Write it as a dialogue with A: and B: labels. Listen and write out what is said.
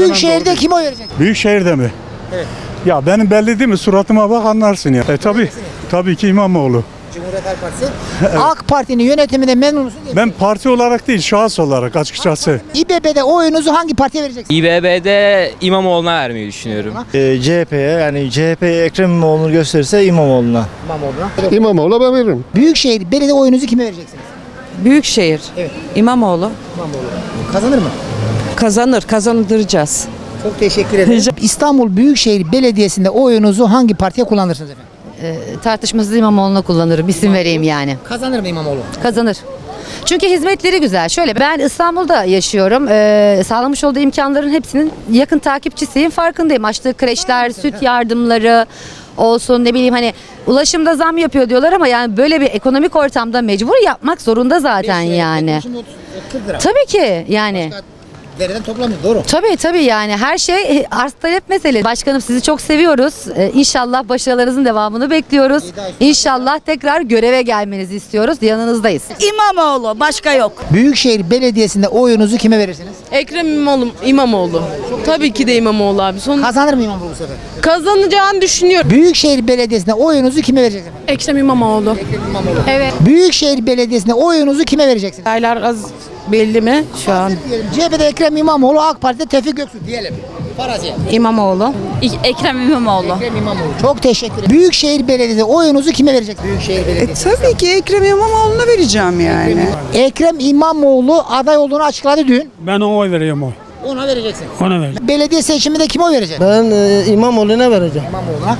A: Büyükşehir'de kime oy verecek?
B: Büyükşehir'de mi?
A: Evet.
B: Ya benim belli değil mi? Suratıma bak anlarsın ya. Tabii ki İmamoğlu.
A: Cumhuriyet Halk Partisi. AK Parti'nin yönetiminde memnun musun değil mi?
B: Ben parti olarak değil, şahıs olarak açıkçası.
A: İBB'de oyunuzu hangi partiye vereceksiniz?
C: İBB'de İmamoğlu'na vermeyi düşünüyorum.
D: CHP'ye yani CHP'ye Ekrem İmamoğlu'nu gösterirse İmamoğlu'na.
A: İmamoğlu'na.
E: İmamoğlu'na ben veririm.
A: Büyükşehir belediye oyunuzu kime vereceksiniz?
F: Büyükşehir.
A: Evet.
F: İmamoğlu.
A: İmamoğlu. Kazanır mı?
F: Kazandıracağız.
A: Çok teşekkür ederim. İstanbul Büyükşehir Belediyesi'nde oyunuzu hangi partiye kullanırsınız efendim?
G: Tartışmasız İmamoğlu'na kullanırım. İsim vereyim yani.
A: Kazanır mı İmamoğlu?
G: Kazanır. Çünkü hizmetleri güzel. Şöyle ben İstanbul'da yaşıyorum. Sağlamış olduğu imkanların hepsinin yakın takipçisiyim. Farkındayım. Açtığı kreşler, süt yardımları olsun ne bileyim hani ulaşımda zam yapıyor diyorlar ama yani böyle bir ekonomik ortamda mecbur yapmak zorunda zaten yani.
A: Şimdi 40 lira.
G: Tabii ki yani.
A: Dereden toplamıyor doğru.
G: Tabii yani her şey arz talep meselesi. Başkanım sizi çok seviyoruz. İnşallah başarılarınızın devamını bekliyoruz. İnşallah tekrar göreve gelmenizi istiyoruz. Yanınızdayız.
F: İmamoğlu. Başka yok.
A: Büyükşehir Belediyesi'nde oyunuzu kime verirsiniz?
F: Ekrem İmamoğlu. Tabii ki de İmamoğlu abi.
A: Kazanır mı İmamoğlu bu sefer?
F: Kazanacağını düşünüyorum.
A: Büyükşehir Belediyesi'nde oyunuzu kime vereceksiniz?
F: Ekrem İmamoğlu.
G: Evet.
A: Büyükşehir Belediyesi'nde oyunuzu kime vereceksiniz?
F: Aylar az belli mi şu an?
A: CHP'de Ekrem İmamoğlu, AK Parti'de Tevfik Göksu diyelim. Faraziye.
F: İmamoğlu.
G: Ekrem İmamoğlu.
A: Ekrem İmamoğlu. Çok teşekkür ederim. Büyükşehir Belediyesi'nde oyunuzu kime vereceksiniz? Büyükşehir Belediyesi.
F: Tabii ki Ekrem İmamoğlu'na vereceğim yani.
A: Ekrem İmamoğlu aday olduğunu açıkladı dün.
B: Ben ona oy veriyorum oy.
A: Ona vereceksin.
B: Ona vereceğim.
A: Belediye seçiminde kime oy vereceksin?
D: Ben İmamoğlu'na vereceğim.
A: İmamoğlu'na.